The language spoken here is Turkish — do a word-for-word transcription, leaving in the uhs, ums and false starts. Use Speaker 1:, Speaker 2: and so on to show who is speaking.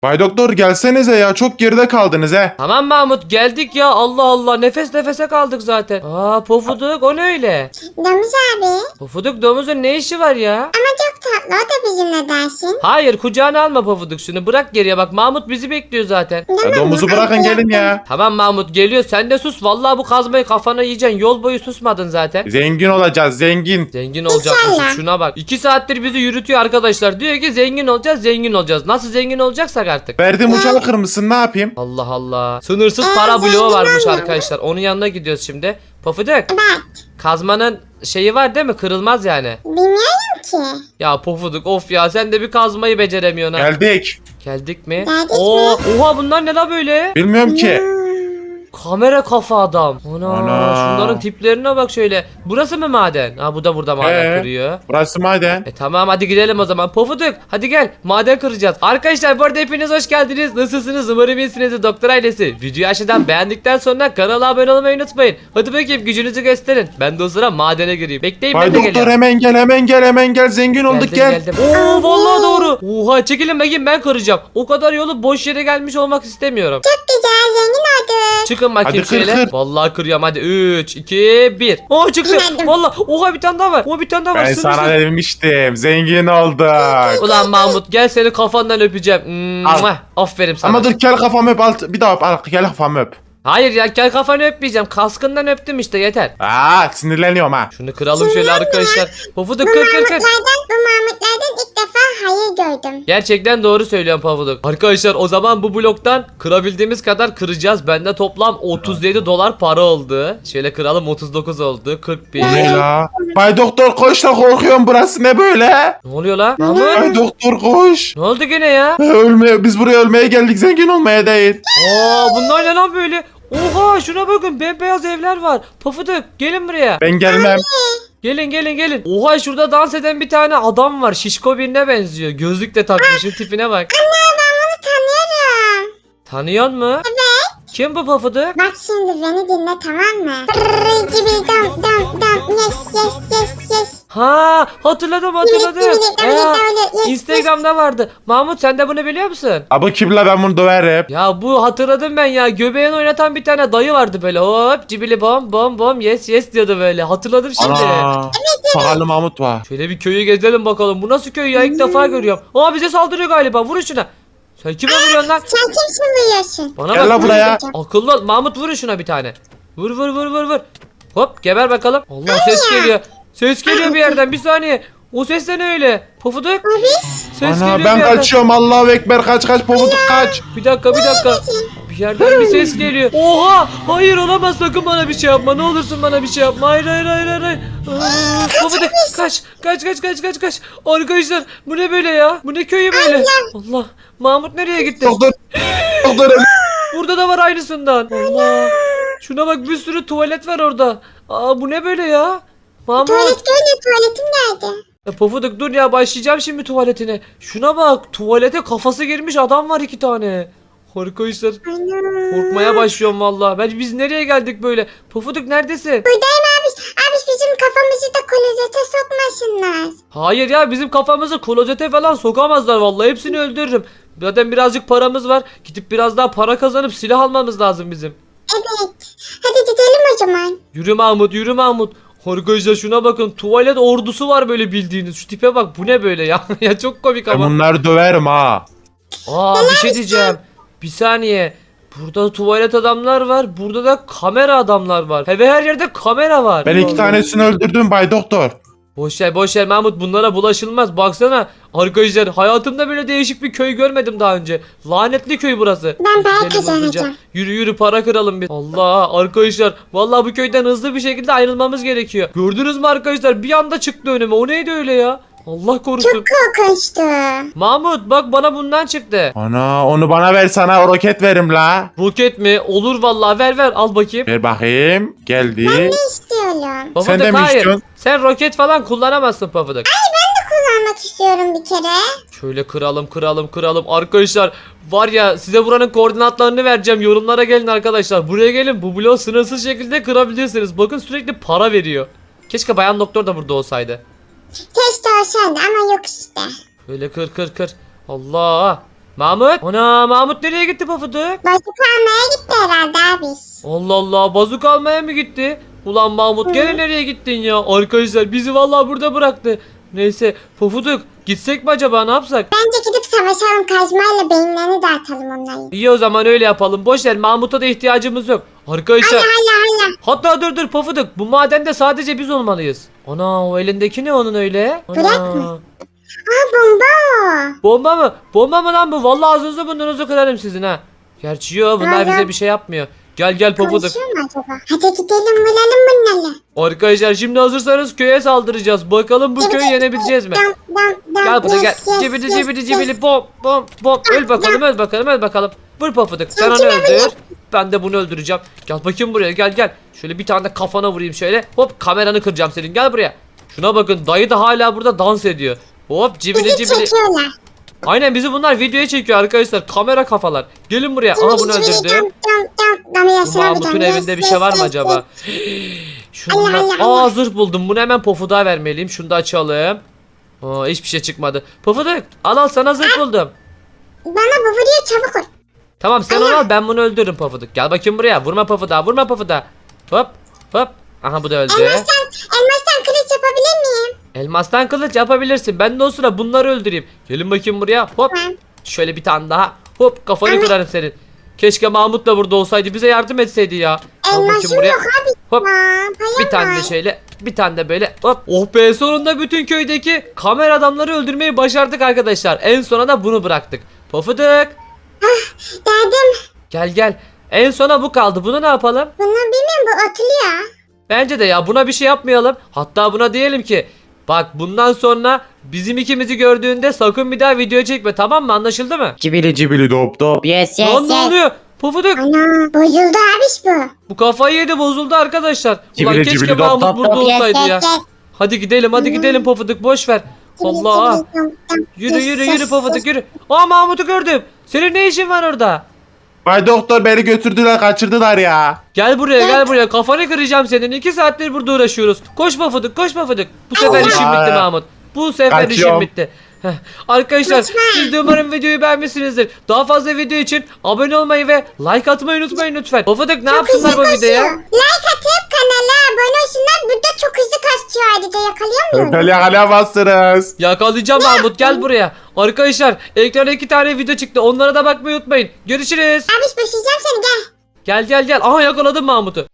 Speaker 1: Bay Doktor gelsenize ya, çok geride kaldınız he.
Speaker 2: Tamam Mahmut geldik ya, Allah Allah, nefes nefese kaldık zaten. Aa Pofuduk, o ne öyle?
Speaker 3: Domuz abi.
Speaker 2: Pofuduk, domuzun ne işi var ya?
Speaker 3: Ama çok tatlı, o da bizimle dersin.
Speaker 2: Hayır, kucağına alma Pofuduk, şunu bırak geriye, bak Mahmut bizi bekliyor zaten.
Speaker 1: Ya domuzu bırakın gelin ya.
Speaker 2: Tamam Mahmut geliyor, sen de sus, vallahi bu kazmayı kafana yiyeceksin, yol boyu susmadın zaten.
Speaker 1: Zengin olacağız, zengin.
Speaker 2: Zengin olacakmışız,
Speaker 3: İnşallah.
Speaker 2: şuna bak. iki saattir bizi yürütüyor arkadaşlar, diyor ki zengin olacağız, zengin olacağız. Nasıl zengin olacaksak artık.
Speaker 1: Verdim uçağı kırmışsın, ne yapayım?
Speaker 2: Allah Allah. Sınırsız
Speaker 3: Ee,
Speaker 2: para
Speaker 3: zengin
Speaker 2: bloğu varmış
Speaker 3: olmuyor.
Speaker 2: arkadaşlar. Onun yanına gidiyoruz şimdi. Pofuduk,
Speaker 3: Evet.
Speaker 2: kazmanın şeyi var değil mi? Kırılmaz yani.
Speaker 3: Bilmiyorum ki.
Speaker 2: Ya Pofuduk, of ya, sen de bir kazmayı beceremiyorsun ha.
Speaker 1: Geldik.
Speaker 2: Geldik mi?
Speaker 3: Geldik
Speaker 2: Oo, oha, bunlar ne la böyle?
Speaker 1: Bilmiyorum ki.
Speaker 3: Hmm.
Speaker 2: Kamera kafa adam. Ana,
Speaker 1: Ana.
Speaker 2: şunların tiplerine bak şöyle. Burası mı maden? Ha, bu da burada maden
Speaker 1: Ee?
Speaker 2: kırıyor.
Speaker 1: Burası maden.
Speaker 2: E tamam, hadi gidelim o zaman. Pofuduk, hadi gel, maden kıracağız. Arkadaşlar bu arada hepiniz hoş geldiniz. Nasılsınız? Umarım iyisinizdir Doktor ailesi. Videoyu aşağıdan beğendikten sonra kanala abone olmayı unutmayın. Hadi bakayım, gücünüzü gösterin. Ben de o sıra madene gireyim. Bekleyin,
Speaker 1: Bay
Speaker 2: ben de
Speaker 1: Doktor
Speaker 2: geliyorum.
Speaker 1: hemen gel, hemen gel, hemen gel. Zengin olduk,
Speaker 2: Geldim,
Speaker 1: gel.
Speaker 2: geldim. Oo vallahi doğru. Oha, çekilin bakayım, ben kıracağım. O kadar yolu boş yere gelmiş olmak istemiyorum.
Speaker 3: Çok güzel, zengin olduk.
Speaker 2: Çıkın bakayım
Speaker 1: Hadi kır,
Speaker 2: şöyle.
Speaker 1: kır.
Speaker 2: Vallahi kırıyorum, hadi üç, iki, bir. Aa çıktı.
Speaker 3: Geldim.
Speaker 2: Vallahi oha, bir tane daha var. Oha, bir tane daha var.
Speaker 1: Ben
Speaker 2: Sınırsız.
Speaker 1: sana demiştim, zengin olduk.
Speaker 2: Ulan Mahmut, gel seni kafandan öpeceğim. Mwah. Aferin sana.
Speaker 1: Ama dur, gel kafamı öp, alt, bir daha öp, al, gel kafamı öp.
Speaker 2: Hayır ya, gel kafanı öpmeyeceğim. Kaskından öptüm işte, yeter.
Speaker 1: Aa, sinirleniyorum ha.
Speaker 2: Şunu kıralım şöyle arkadaşlar. Pofuduk,
Speaker 3: Bu
Speaker 2: kır kır kır.
Speaker 3: Mahmutlardan, bu Mahmutlardan ilk defa hayır gördüm.
Speaker 2: Gerçekten doğru söylüyorsun Pofuduk. Arkadaşlar o zaman bu bloktan kırabildiğimiz kadar kıracağız. Bende toplam otuz yedi dolar para oldu. Şöyle kıralım, otuz dokuz oldu. kırk bir.
Speaker 1: Ne la? Bay Doktor koş da, korkuyorum, burası ne böyle?
Speaker 2: Ne oluyor la? Mahmut?
Speaker 1: Bay Doktor koş.
Speaker 2: Ne oldu gene ya?
Speaker 1: Ölmeye, biz buraya ölmeye geldik, zengin olmaya değil.
Speaker 2: Aa, bunlar ne lan böyle? Oha, şuna bakın, bembeyaz evler var. Pofuduk, gelin buraya.
Speaker 1: Ben gelmem.
Speaker 2: Gelin gelin gelin. Oha, şurada dans eden bir tane adam var. Şişko birine benziyor. Gözlük de takmış. Şu tipine bak.
Speaker 3: Anne, ben bunu tanıyorum.
Speaker 2: Tanıyor mu? Evet. Kim bu Pofuduk?
Speaker 3: Bak şimdi beni dinle, tamam mı? Brrrr, cibi dam dam dam, yes yes yes yes.
Speaker 2: Ha, hatırladım hatırladım.
Speaker 3: Yes, yes,
Speaker 2: Ee,
Speaker 3: yes, yes.
Speaker 2: Instagram'da vardı. Mahmut, sen de bunu biliyor musun?
Speaker 1: Abi kim la, ben bunu döverim.
Speaker 2: Ya bu, hatırladım ben ya. Göbeğini oynatan bir tane dayı vardı böyle. Hop cibili bom bom bom yes yes diyordu böyle. Hatırladım şimdi.
Speaker 1: Ana. Sakallı Mahmut var.
Speaker 2: Şöyle bir köyü gezelim bakalım. Bu nasıl köy ya? İlk defa görüyorum. Aa, bize saldırıyor galiba. Vurun şuna. Sen kime vuruyorsun lan?
Speaker 3: Sen kimsin buyuyorsun?
Speaker 2: Bana
Speaker 1: Gel
Speaker 2: bak.
Speaker 1: la buraya.
Speaker 2: Akıllı ol. Mahmut, vurun şuna bir tane. Vur vur vur vur vur. Hop, geber bakalım. Allah, ses geliyor. Ses geliyor bir yerden, bir saniye. O ses de ne öyle? Pofuduk.
Speaker 3: Abi.
Speaker 2: Ses
Speaker 1: Ana,
Speaker 2: geliyor bir
Speaker 1: ben
Speaker 2: yerden.
Speaker 1: kaçıyorum, Allahu Ekber, kaç kaç Pofuduk kaç.
Speaker 2: Bir dakika bir dakika. Bir yerden bir ses geliyor. Oha! Hayır, olamaz, sakın bana bir şey yapma. Ne olursun bana bir şey yapma. Hayır hayır hayır hayır. hayır. Aa, Pofuduk, kaç kaç kaç kaç kaç kaç. Arkadaşlar bu ne böyle ya? Bu ne köyü böyle? Allah. Mahmut nereye gitti?
Speaker 1: Doktor. Doktor.
Speaker 2: Burada da var aynısından. Allah. Şuna bak, bir sürü tuvalet var orada. Aa, bu ne böyle ya? Mahmut.
Speaker 3: Tuvalet görünüyor, tuvaletim nerede?
Speaker 2: Ya Pofuduk, dur ya, başlayacağım şimdi tuvaletine. Şuna bak, tuvalete kafası girmiş adam var, iki tane. Arkadaşlar
Speaker 3: Ana.
Speaker 2: korkmaya başlıyorum vallahi. Ben, biz nereye geldik böyle? Pofuduk neredesin?
Speaker 3: Buradayım abi. Abi bizim kafamızı da klozete sokmasınlar.
Speaker 2: Hayır ya, bizim kafamızı klozete falan sokamazlar vallahi, hepsini öldürürüm. Zaten birazcık paramız var. Gidip biraz daha para kazanıp silah almamız lazım bizim.
Speaker 3: Evet. Hadi gidelim o zaman.
Speaker 2: Yürü Mahmut, yürü Mahmut. Arkadaşlar şuna bakın, tuvalet ordusu var böyle bildiğiniz. Şu tipe bak, bu ne böyle ya? Ya çok komik
Speaker 1: Ben
Speaker 2: ama.
Speaker 1: bunları döverim ha.
Speaker 2: Aa, bir şey diyeceğim. Bir saniye. Burada tuvalet adamlar var. Burada da kamera adamlar var. Ve her yerde kamera var.
Speaker 1: Ben iki tanesini öldürdüm Bay Doktor.
Speaker 2: Boş ver boş ver Mahmut, bunlara bulaşılmaz. Baksana arkadaşlar, hayatımda böyle değişik bir köy görmedim daha önce. Lanetli köy burası.
Speaker 3: Ben para
Speaker 2: Gidelim hızlıca.
Speaker 3: kazanacağım.
Speaker 2: Yürü yürü, para kıralım biz. Allah arkadaşlar, vallahi bu köyden hızlı bir şekilde ayrılmamız gerekiyor. Gördünüz mü arkadaşlar, bir anda çıktı önüme. O neydi öyle ya? Allah korusun.
Speaker 3: Çok korkunçtu.
Speaker 2: Mahmut bak, bana bundan çıktı.
Speaker 1: Ana, onu bana ver, sana roket verim la.
Speaker 2: Roket mi? Olur vallahi, ver ver, al bakayım.
Speaker 1: Ver bakayım. Geldi.
Speaker 3: Ne istiyorum?
Speaker 2: Pofuduk,
Speaker 1: Sen de mi
Speaker 2: hayır.
Speaker 1: istiyorsun?
Speaker 2: Sen roket falan kullanamazsın Pofuduk.
Speaker 3: Kullanmak istiyorum bir kere.
Speaker 2: Şöyle kıralım kıralım kıralım. Arkadaşlar var ya, size buranın koordinatlarını vereceğim. Yorumlara gelin arkadaşlar. Buraya gelin, bu bloğu sınırsız şekilde kırabilirsiniz. Bakın, sürekli para veriyor. Keşke Bayan Doktor da burada olsaydı.
Speaker 3: Keşke olsaydı ama yok işte.
Speaker 2: Böyle kır kır kır. Allah. Mahmut. Ana Mahmut nereye gitti Pofuduk?
Speaker 3: Bozuk almaya gitti herhalde abi.
Speaker 2: Allah Allah bazuk almaya mı gitti? Ulan Mahmut gene nereye gittin ya? Arkadaşlar bizi vallahi burada bıraktı. Neyse Pofuduk gitsek mi acaba ne yapsak?
Speaker 3: Bence gidip savaşalım kazmayla beyinlerini dağıtalım onların.
Speaker 2: İyi o zaman öyle yapalım. Boşver Mahmut'a da ihtiyacımız yok. Arkadaşlar
Speaker 3: Hala hala hala.
Speaker 2: hatta dur dur Pofuduk bu madende sadece biz olmalıyız. Ana o elindeki ne onun öyle? Ana.
Speaker 3: Bırak mı? Aa bomba o.
Speaker 2: Bomba mı? Bomba mı lan bu? Vallahi ağzınızı burnunuzu kırarım sizin ha. Gerçi yok bunlar
Speaker 3: Aa,
Speaker 2: bize
Speaker 3: ya.
Speaker 2: bir şey yapmıyor. Gel gel Pofuduk.
Speaker 3: Konuşuyor mu acaba? Hadi gidelim vuralım bunları.
Speaker 2: Arkadaşlar şimdi hazırsanız köye saldıracağız. Bakalım bu köyü yenebileceğiz mi?
Speaker 3: Dam, dam, dam.
Speaker 2: Gel buraya gel.
Speaker 3: Yes, yes,
Speaker 2: Cibili
Speaker 3: yes,
Speaker 2: cibili
Speaker 3: yes.
Speaker 2: cibili bom bom bom. Öl bakalım öl bakalım öl bakalım. Vur Pofuduk sen onu öldür. Ben de bunu öldüreceğim. Gel bakayım buraya gel gel. Şöyle bir tane de kafana vurayım şöyle. Hop kameranı kıracağım senin gel buraya. Şuna bakın dayı da hala burada dans ediyor. Hop cibili
Speaker 3: Bizi
Speaker 2: cibili.
Speaker 3: çekiyorlar.
Speaker 2: Aynen bizi bunlar videoya çekiyor arkadaşlar. Kamera kafalar. Gelin buraya. Aha bunu
Speaker 3: Cibili cibili
Speaker 2: öldürdüm.
Speaker 3: dam, dam, dam. Dam,
Speaker 2: Bu
Speaker 3: yaşına bir
Speaker 2: Mahmut'un
Speaker 3: dam.
Speaker 2: evinde
Speaker 3: Yes,
Speaker 2: bir şey
Speaker 3: yes,
Speaker 2: var mı
Speaker 3: yes,
Speaker 2: acaba?
Speaker 3: yes.
Speaker 2: Şundan...
Speaker 3: Allah, Allah,
Speaker 2: Aa
Speaker 3: Allah.
Speaker 2: zırh buldum. Bunu hemen Pofuduk'a vermeliyim. Şunu da açalım. Aa hiçbir şey çıkmadı. Pofuduk al al sana zırh buldum.
Speaker 3: Bana bu vuruyor çabuk ol.
Speaker 2: Tamam sen onu al ben bunu öldürürüm Pofuduk. Gel bakayım buraya. Vurma Pofuduk'a vurma Pofuduk'a. Hop hop. Aha bu da öldü.
Speaker 3: Elmastan, elmastan kılıç yapabilir miyim?
Speaker 2: Elmastan kılıç yapabilirsin. Ben de o sıra bunları öldüreyim. Gelin bakayım buraya. Hop.
Speaker 3: Tamam.
Speaker 2: Şöyle bir tane daha. Hop kafanı kırarım senin. Keşke Mahmut da burada olsaydı. Bize yardım etseydi ya. Al bakayım
Speaker 3: Elmasım
Speaker 2: buraya.
Speaker 3: yok abi.
Speaker 2: Hop.
Speaker 3: Aa, payam
Speaker 2: Bir tane de
Speaker 3: var.
Speaker 2: şöyle, bir tane de böyle. Hop. Oh be sonunda bütün köydeki kamera adamları öldürmeyi başardık arkadaşlar. En sona da bunu bıraktık. Pofuduk.
Speaker 3: Derdim.
Speaker 2: Gel gel. En sona bu kaldı. Bunu ne yapalım?
Speaker 3: Bunu bilmiyorum bu atılıyor.
Speaker 2: Bence de ya buna bir şey yapmayalım. Hatta buna diyelim ki bak bundan sonra bizim ikimizi gördüğünde sakın bir daha video çekme tamam mı? Anlaşıldı mı?
Speaker 1: Cibili cibili dop dop.
Speaker 4: Yes yes
Speaker 2: Lan ne
Speaker 4: yes.
Speaker 2: oluyor? Pofuduk.
Speaker 3: Ana bozuldu abiş bu.
Speaker 2: Bu kafayı yedi bozuldu arkadaşlar. Ulan
Speaker 1: Cibili
Speaker 2: keşke
Speaker 1: cibili dop
Speaker 2: Mahmut
Speaker 1: dop
Speaker 2: burada
Speaker 4: dop. Yes,
Speaker 2: olsaydı
Speaker 3: Yes,
Speaker 2: ya.
Speaker 3: yes.
Speaker 2: Hadi gidelim hadi gidelim Pofuduk boş ver. Allah. Yürü yürü yürü Pofuduk yürü. Aa Mahmut'u gördüm. Senin ne işin var orada?
Speaker 1: Bay doktor beni götürdüler kaçırdılar ya.
Speaker 2: Gel buraya gel buraya kafanı kıracağım senin. iki saattir burada uğraşıyoruz. Koş Pofuduk koş Pofuduk. Bu sefer
Speaker 1: Allah.
Speaker 2: işim bitti Mahmut. Bu sefer işim
Speaker 1: Kaçıyorum.
Speaker 2: bitti. Heh. Arkadaşlar
Speaker 3: Lütfen.
Speaker 2: siz de umarım videoyu beğenmişsinizdir. Daha fazla video için abone olmayı ve like atmayı unutmayın lütfen. Pofuduk ne yapsınlar bu videoya?
Speaker 3: Like atıp kanala abone olsunlar. Burada çok hızlı kasıyor ayrıca yakalıyor muyum?
Speaker 1: Böyle yakalayamazsınız.
Speaker 2: Yakalayacağım Mahmut gel buraya. Arkadaşlar ekrana iki tane video çıktı. Onlara da bakmayı unutmayın. Görüşürüz.
Speaker 3: Abiş başlayacağım seni gel.
Speaker 2: Gel gel gel. Aha yakaladım Mahmut'u.